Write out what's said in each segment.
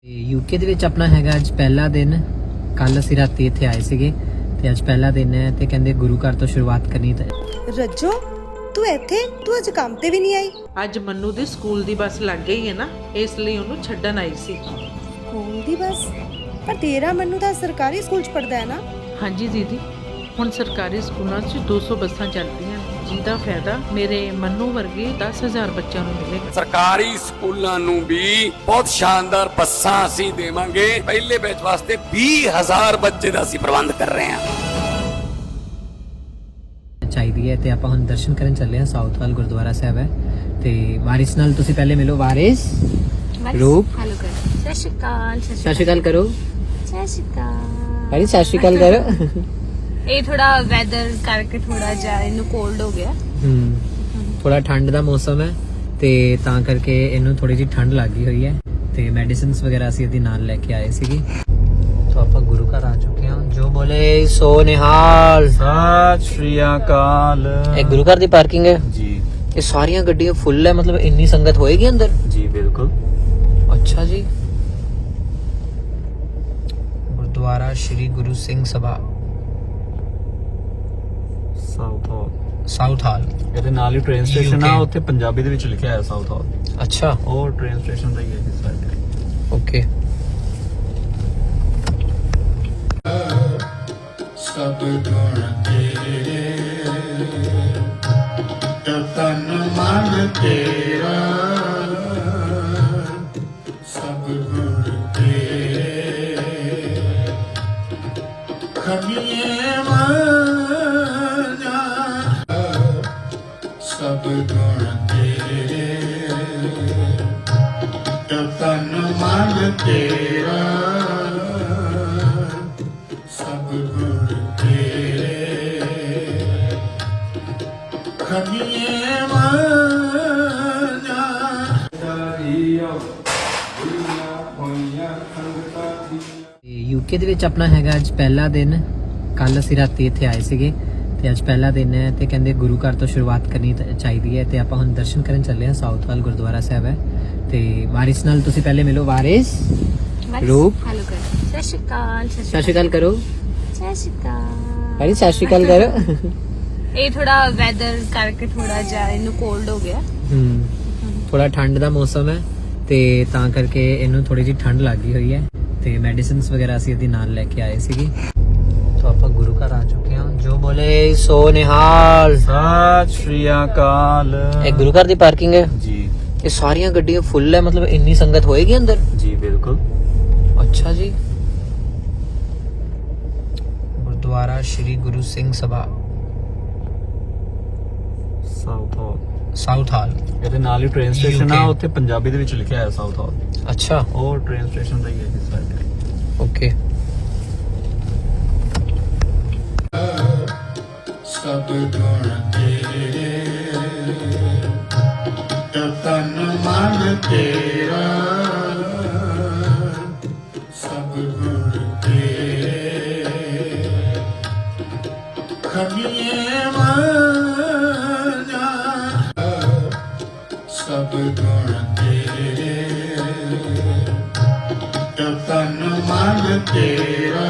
UK ਦੇ ਵਿੱਚ ਆਪਣਾ ਹੈਗਾ ਅੱਜ ਪਹਿਲਾ ਦਿਨ। ਕੱਲ ਅਸੀਂ ਰਾਤੀ ਇੱਥੇ ਆਏ ਸੀਗੇ ਤੇ ਅੱਜ ਪਹਿਲਾ ਦਿਨ ਹੈ ਤੇ ਕਹਿੰਦੇ ਗੁਰੂ ਘਰ ਤੋਂ ਸ਼ੁਰੂਆਤ ਕਰਨੀ। ਤਾਂ ਰੱਜੋ ਤੂੰ ਇੱਥੇ ਤੂੰ ਅੱਜ ਕੰਮ ਤੇ ਵੀ ਨਹੀਂ ਆਈ। ਅੱਜ ਮੰਨੂ ਦੀ ਸਕੂਲ ਦੀ ਬੱਸ ਲੱਗ ਗਈ ਹੈ ਨਾ, ਇਸ ਲਈ ਉਹਨੂੰ ਛੱਡਣ ਆਈ ਸੀ। ਸਕੂਲ ਦੀ ਬੱਸ? ਪਰ ਤੇਰਾ ਮੰਨੂ ਤਾਂ ਸਰਕਾਰੀ ਸਕੂਲ 'ਚ ਪੜਦਾ ਹੈ ਨਾ। ਹਾਂਜੀ ਦੀਦੀ, ਹੁਣ ਸਰਕਾਰੀ ਸਕੂਲਾਂ 'ਚ 200 ਬੱਸਾਂ ਚੱਲਦੀਆਂ ਜਿਹਦਾ ਫਾਇਦਾ ਮੇਰੇ ਮੰਨੂ ਵਰਗੇ 10,000 ਬੱਚਿਆਂ ਨੂੰ ਮਿਲੇਗਾ। ਸਰਕਾਰੀ ਸਕੂਲਾਂ ਨੂੰ ਵੀ ਬਹੁਤ ਸ਼ਾਨਦਾਰ ਬੱਸਾਂ ਅਸੀਂ ਦੇਵਾਂਗੇ। ਪਹਿਲੇ ਬੈਚ ਵਾਸਤੇ 20,000 ਬੱਚੇ ਦਾ ਅਸੀਂ ਪ੍ਰਬੰਧ ਕਰ ਰਹੇ ਹਾਂ। ਚਾਹੀਦੀ ਹੈ ਤੇ ਆਪਾਂ ਹੁਣ ਦਰਸ਼ਨ ਕਰਨ ਚੱਲੇ ਹਾਂ। ਸਾਊਥਵਾਲ ਗੁਰਦੁਆਰਾ ਸਾਹਿਬ ਹੈ ਤੇ ਵਾਰਿਸ ਨਾਲ ਤੁਸੀਂ ਪਹਿਲੇ ਮਿਲੋ। ਵਾਰਿਸ ਰੂਪ ਹੈਲੋ ਕਰ। ਸਤਿ ਸ਼੍ਰੀ ਅਕਾਲ। ਸਤਿ ਸ਼੍ਰੀ ਅਕਾਲ ਕਰੋ। ਸਤਿ ਸ਼੍ਰੀ ਅਕਾਲ। ਵਾਰਿਸ ਸਤਿ ਸ਼੍ਰੀ ਅਕਾਲ ਕਰੋ। ਇਹ ਥੋੜਾ ਵੈਦਰ ਕਰਕੇ ਥੋੜਾ ਜਿਹਾ ਇਹਨੂੰ ਕੋਲਡ ਹੋ ਗਿਆ। ਥੋੜਾ ਠੰਡ ਦਾ ਮੌਸਮ ਹੈ ਤੇ ਤਾਂ ਕਰਕੇ ਇਹਨੂੰ ਥੋੜੀ ਜਿਹੀ ਠੰਡ ਲੱਗੀ ਹੋਈ ਹੈ ਤੇ ਮੈਡੀਸਿਨਸ ਵਗੈਰਾ ਅਸੀਂ ਇਹਦੇ ਨਾਲ ਲੈ ਕੇ ਆਏ ਸੀਗੇ। ਤਾਂ ਆਪਾਂ ਗੁਰੂ ਘਰ ਆ ਚੁੱਕੇ ਹਾਂ। ਜੋ ਬੋਲੇ ਸੋ ਨਿਹਾਲ। ਸਤਿ ਸ਼੍ਰੀ ਅਕਾਲ। ਇਹ ਗੁਰੂ ਘਰ ਦੀ ਪਾਰਕਿੰਗ ਹੈ ਜੀ। ਇਹ ਸਾਰੀਆਂ ਗੱਡੀਆਂ ਫੁੱਲ ਹੈ, ਮਤਲਬ ਇੰਨੀ ਸੰਗਤ ਹੋਏਗੀ ਅੰਦਰ? ਜੀ ਬਿਲਕੁਲ। ਅੱਛਾ ਜੀ। Gurdwara Shri Guru Singh Sabha Southall. ਇਹਦੇ ਨਾਲ ਹੀ ਟ੍ਰੇਨ ਸਟੇਸ਼ਨ ਆ, ਉੱਥੇ ਪੰਜਾਬੀ ਦੇ ਵਿੱਚ ਲਿਖਿਆ ਹੈ ਸਾਊਥ ਹਾਲ। ਅੱਛਾ, ਉਹ ਟ੍ਰੇਨ ਸਟੇਸ਼ਨ ਦਾ ਹੀ ਹੈ ਇਸ ਸਾਈਡ। ਓਕੇ। ਸਭ ਗੁਣ ਤੇਰੇ ਤਨ ਮਨ ਤੇਰਾ, ਸਭ ਗੁਣ ਤੇਰੇ ਖਮੀਏ ਮਾਨਾ, ਸਭ ਗੁਣ ਤੇਰੇ ਤਨ ਮਨ ਤੇਰਾ, ਸਭ ਗੁਣ ਤੇਰੇ ਖਮੀਏ ਮਾਨਾ। ਯੂਕੇ ਦੇ ਵਿੱਚ ਆਪਣਾ ਹੈਗਾ ਅੱਜ ਪਹਿਲਾ ਦਿਨ। ਕੱਲ ਅਸੀਂ ਰਾਤੀ ਇੱਥੇ ਆਏ ਸੀਗੇ ਤੇ ਅੱਜ ਪਹਿਲਾ ਦਿਨ ਹੈ ਤੇ ਕਹਿੰਦੇ ਗੁਰੂ ਘਰ ਤੋਂ ਸ਼ੁਰੂਆਤ ਕਰਨੀ ਚਾਹੀਦੀ ਹੈ ਤੇ ਆਪਾਂ ਹੁਣ ਦਰਸ਼ਨ ਕਰਨ ਚੱਲੇ ਹਾਂ। ਸਾਊਥਵਾਲ ਗੁਰਦੁਆਰਾ ਸਾਹਿਬ ਹੈ ਤੇ ਵਾਰਿਸ ਨਾਲ ਤੁਸੀਂ ਪਹਿਲੇ ਮਿਲੋ। ਵਾਰਿਸ ਰੂਪ ਹੈਲੋ ਕਰ। ਸਤਿ ਸ਼੍ਰੀ ਅਕਾਲ। ਸਤਿ ਸ਼੍ਰੀ ਅਕਾਲ ਕਰੋ। ਸਤਿ ਸ਼੍ਰੀ ਅਕਾਲ। ਵਾਰਿਸ ਸਤਿ ਸ਼੍ਰੀ ਅਕਾਲ ਕਰੋ। ਇਹ ਥੋੜਾ ਵੈਦਰ ਕਰਕੇ ਥੋੜਾ ਜਿਹਾ ਇਹਨੂੰ ਕੋਲਡ ਹੋ ਗਿਆ। ਥੋੜਾ ਠੰਡ ਦਾ ਮੌਸਮ ਹੈ ਤੇ ਤਾਂ ਕਰਕੇ ਇਹਨੂੰ ਥੋੜੀ ਜਿਹੀ ਠੰਡ ਲੱਗੀ ਹੋਈ ਹੈ ਤੇ ਮੈਡੀਸਿਨਸ ਵਗੈਰਾ ਅਸੀਂ ਇਹਦੇ ਨਾਲ ਲੈ ਕੇ ਆਏ ਸੀਗੇ। ਤਾਂ ਆਪਾਂ ਗੁਰੂ ਘਰ ਆ ਚੁੱਕੇ ਹਾਂ। ਜੋ ਬੋਲੇ ਸੋ ਨਿਹਾਲ। ਸਤਿ ਸ਼੍ਰੀ ਅਕਾਲ। ਇਹ ਗੁਰੂ ਘਰ ਦੀ ਪਾਰਕਿੰਗ ਹੈ ਜੀ। ਇਹ ਸਾਰੀਆਂ ਗੱਡੀਆਂ ਫੁੱਲ ਹੈ, ਮਤਲਬ ਇੰਨੀ ਸੰਗਤ ਹੋਏਗੀ ਅੰਦਰ? ਜੀ ਬਿਲਕੁਲ। ਅੱਛਾ ਜੀ। Gurdwara Shri Guru Singh Sabha Southall. ਇਹਦੇ ਨਾਲ ਹੀ ਟ੍ਰੇਨ ਸਟੇਸ਼ਨ ਆ, ਉੱਥੇ ਪੰਜਾਬੀ ਦੇ ਵਿੱਚ ਲਿਖਿਆ ਹੈ ਸਾਊਥ ਹਾਲ। ਅੱਛਾ, ਉਹ ਟ੍ਰੇਨ ਸਟੇਸ਼ਨ ਦਾ ਹੀ ਹੈ ਇਸ ਸਾਈਡ। ਓਕੇ। ਸਭ ਗੁਣ ਤੇਰੇ ਤਨ ਮਨ ਤੇਰਾ, ਸਭ ਗੁਣ ਤੇਰੇ ਖਮੀਏ ਮਾਨਾ, ਸਭ ਗੁਣ ਤੇਰੇ ਤਨ ਮਨ ਤੇਰਾ,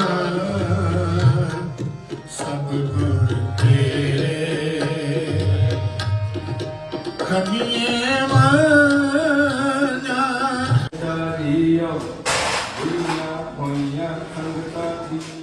ਸਭ ਗੁਣ ਤੇਰੇ ਖਮੀਏ ਮਾਨਾ।